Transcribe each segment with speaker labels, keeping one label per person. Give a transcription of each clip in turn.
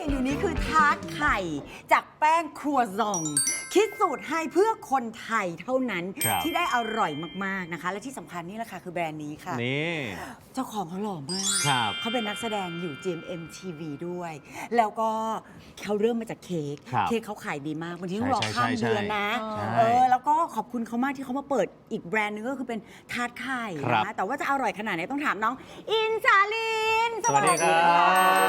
Speaker 1: นอยู่นี้คือทาร์ตไข่จากแป้งครัวซองคิดสูตรให้เพื่อคนไทยเท่านั้นที่ได้อร่อยมากๆนะคะและที่สำคัญนี่แหละค่ะคือแบรนด์นี้ค่ะ
Speaker 2: นี่
Speaker 1: เจ้าของเขาหล่อมากเขาเป็นนักแสดงอยู่ GMM TV ด้วย แล้วก็เขาเริ่มมาจากเค้กเขาขายดีมากบางทีต้องรอข้ามเดือนนะแล้วก็ขอบคุณเขามากที่เขามาเปิดอีกแบรนด์นึงก็คือเป็นทาร์ตไข่นะแต่ว่าจะอร่อยขนาดไหนต้องถามน้องอินสาลิน
Speaker 2: สวัสดีครับ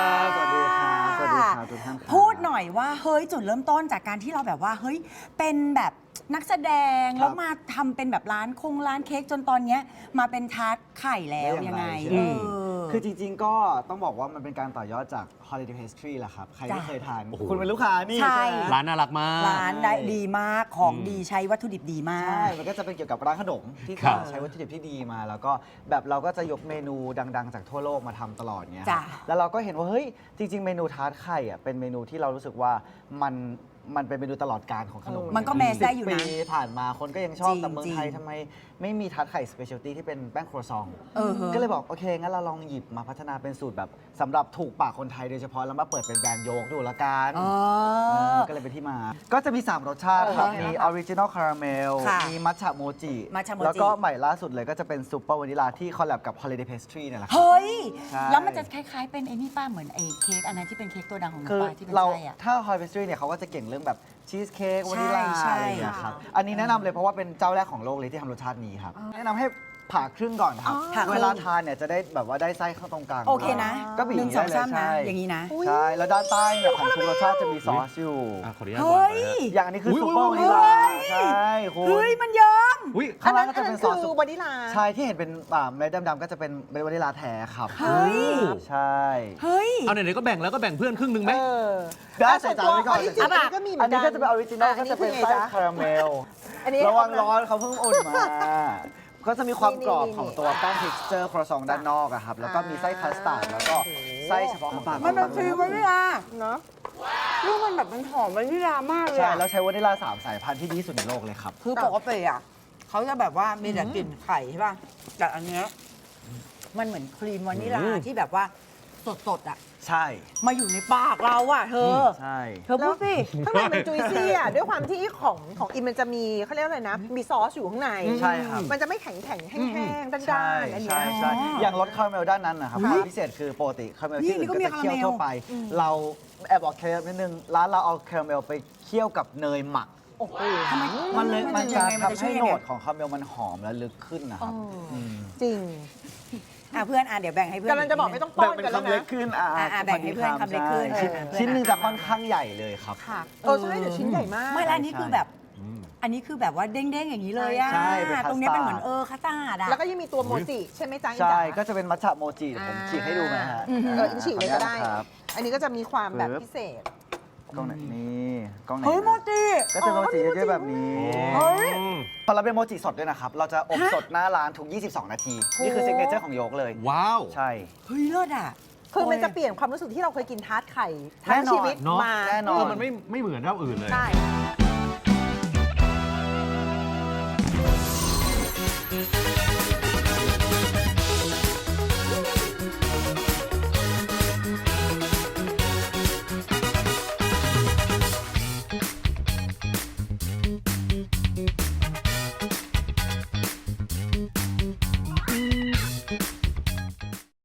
Speaker 3: สวัสดีครับสวัสดีครับทุกท่าน
Speaker 1: พูดหน่อยว่าเฮ้ยจุดเริ่มต้นจากการที่เราแบบว่าเฮ้ยเป็นแบบนักแสดงแล้วมาทำเป็นแบบร้านเค้กจนตอนนี้มาเป็นทาร์ตไข่แล้วยังไง
Speaker 3: คือจริงๆก็ต้องบอกว่ามันเป็นการต่อยอดจาก Holiday Pastry แหละครับใครที่เคยทานคุณเป็นลูกค้านี่
Speaker 1: ใช่
Speaker 2: ร้านน่ารักมาก
Speaker 1: ร้านได้ดีมากของดีใช้วัตถุดิบดีมาก
Speaker 3: ใช่มันก็จะเป็นเกี่ยวกับร้านขนมที่ใช้วัตถุดิบที่ดีมาแล้วก็แบบเราก็จะยกเมนูดังๆจากทั่วโลกมาทำตลอดเงี้ยแล้วเราก็เห็นว่าเฮ้ยจริงๆเมนูทาร์ตไข่อ่ะเป็นเมนูที่เรารู้สึกว่ามันเป็นเมนูตลอดการของขนม
Speaker 1: มันก็แมสได้อยู่นะ
Speaker 3: ปีผ่านมาคนก็ยังชอบแต่เมืองไทยทำไมไม่มีทาร์ตไข่สเปเชียลตี้ที่เป็นแป้งครัวซองก็เลยบอกโอเคงั้นเราลองหยิบมาพัฒนาเป็นสูตรแบบสำหรับถูกปากคนไทยโดยเฉพาะแล้วมาเปิดเป็นแบรนด์โยกดูละกันก็เลยเป็นที่มาก็จะมี3รสชาติครับมีออริจินอลคาราเมลมีมัทฉะโมจิแล้วก็ใหม่ล่าสุดเลยก็จะเป็นซูเปอร์วานิลาที่คอลแลบกับ Holiday Pastry เนี่ยแหละ
Speaker 1: เฮ้ยแล้วมันจะคล้ายๆเป็นไอ้นี่ป้าเหมือนไอ้เค้กอันนั้นที่เป็นเค้กตัวดังของน้องป้าที่เป็นไส้อะ
Speaker 3: ถ้า Holiday Pastry เนี่ยเขาก็จะเก่งเรื่องแบบชีสเค้กวานิลาอะไรอย่างเงี้ยครับอันนี้แนะนำเลยเพราะว่าเป็นเจ้าแรกของโลกเลยที่ทำรสชาตินี้ครับแนะนำให้ผ่าครึ่งก่อนครับเวลาทานเนี่ยจะได้แบบว่าได้ไส้ข้างตรงกลาง
Speaker 1: โอเคนะ
Speaker 3: ก็บีบ
Speaker 1: 1 2 3นะอย่างนี้นะ
Speaker 3: ใช่แล้วด้านใต้เนี่ยของทุกรสชาติจะมีซอสอยู่
Speaker 2: ขออนุญาต
Speaker 3: อย่างอันนี้คือซุปเปอร์วานิลาใช่คุณ
Speaker 1: เฮ้ยมันเยิ้ม
Speaker 3: ข้างล่างก็จะเป็นซอส
Speaker 4: วานิลา
Speaker 3: ใช่ที่เห็นเป็นเม็ดดำๆก็จะเป็นวานิลาแท้ครับ
Speaker 1: เฮ้ย
Speaker 3: ใช่
Speaker 1: เฮ้ย
Speaker 2: เอาไหนๆก็แบ่งแล้วก็แบ่งเพื่อนครึ่งนึงไหม
Speaker 3: ได้ใส่จานไว้ก่อน
Speaker 4: อัน
Speaker 3: นี้ก็จะเป็นออริจินอลก็จะเป็นไส้คาราเมลระวังร้อนเขาเพิ่งอุ่นมาก็จะมีความกรอบของตัวแป้ง texture ครัวซองด้านนอกอะครับแล้วก็มีไส้คัสตาร์ดแล้วก็ไส้เฉพาะของ
Speaker 1: มันเป็นฟรีวานิลาเนาะลูกมันแบบมันหอมวานิลามากเลย
Speaker 3: ใช่แล้วใช้วานิลา3 สายพันธุ์ที่ดีสุดในโลกเลยครับ
Speaker 1: คือปกติอะเขาจะแบบว่ามีแต่กลิ่นไข่ใช่ป่ะแต่อันเนี้ยมันเหมือนครีมวานิลาที่แบบว่าสดๆอะ
Speaker 3: ใช่
Speaker 1: มาอยู่ในปากเราอะเธอ
Speaker 3: ใช่
Speaker 1: เธอพูดสิ
Speaker 4: ข้างในมันจุยซี่อะด้วยความที่ของอินมันจะมีเขาเรียกอะไรนะมีซอสอยู่ข้างใน
Speaker 3: ใช่ครับ
Speaker 4: มันจะไม่แข็งแห้งๆด้านๆอันนี้
Speaker 3: ใช่อย่างรสคาราเมลด้านนั้นนะครับพิเศษคือปกติคาราเมลที่อื่นก็จะเคี่ยวทั่วไปเราแอบบอกเคล็ดนิดนึงร้านเราเอาคาราเมลไปเคี่ยวกับเนยหมัก
Speaker 4: โอ้โห
Speaker 3: มันจะทำให้โหนดของคาราเมลมันหอมและลึกขึ้นนะครับ
Speaker 4: จริง
Speaker 1: เพื่อนเดี๋ยวแบ่งให้เพื่อน
Speaker 4: กำลังจะบอกไม่ต้องป้อนกันแล้วนะ
Speaker 3: แบ่งเป็นคำเล็กขึ้น
Speaker 1: แบ่งให้เพื่อนคำเล็กขึ้น
Speaker 3: ชิ้นหนึ่งจะค่อนข้างใหญ่เลยครับ
Speaker 4: ค่ะใช่เดี๋ยวชิ้นใหญ่มาก
Speaker 1: ไม่แล้วอันนี้คือแบบอันนี้คือแบบว่าเด้งๆอย่างนี้เลยอะตรงนี้เป็นเหมือนคัสตาร์ดอะ
Speaker 4: แล้วก็ยังมีตัวโมจิใช่ไหมจ๊ะ
Speaker 3: ใช่ก็จะเป็นมัทฉะโมจิผมฉีกให้ดูไหมฮะ
Speaker 4: ฉีกเลยก็ได้อันนี้ก็จะมีความแบบพิเศษ
Speaker 3: กล้องไหนนี่กล้องไหน
Speaker 1: เฮ้ยโมจิ
Speaker 3: ก็จะโมจิเยอะๆแบบนี้
Speaker 1: เฮ้ย
Speaker 3: ตอนเราเป็นโมจิสดด้วยนะครับเราจะอบสดหน้าร้านทุก22 นาทีนี่คือซิกเนเจอร์ของโยกเลย
Speaker 2: ว้าว
Speaker 3: ใช่
Speaker 1: เฮ้ยเลิศอ่ะ
Speaker 4: คือมันจะเปลี่ยนความรู้สึกที่เราเคยกินทาร์ตไข่ทั้งชีวิตมา
Speaker 3: แน่นอน
Speaker 2: มันไม่เหมือนเท่าอื่นเลย
Speaker 4: ใช่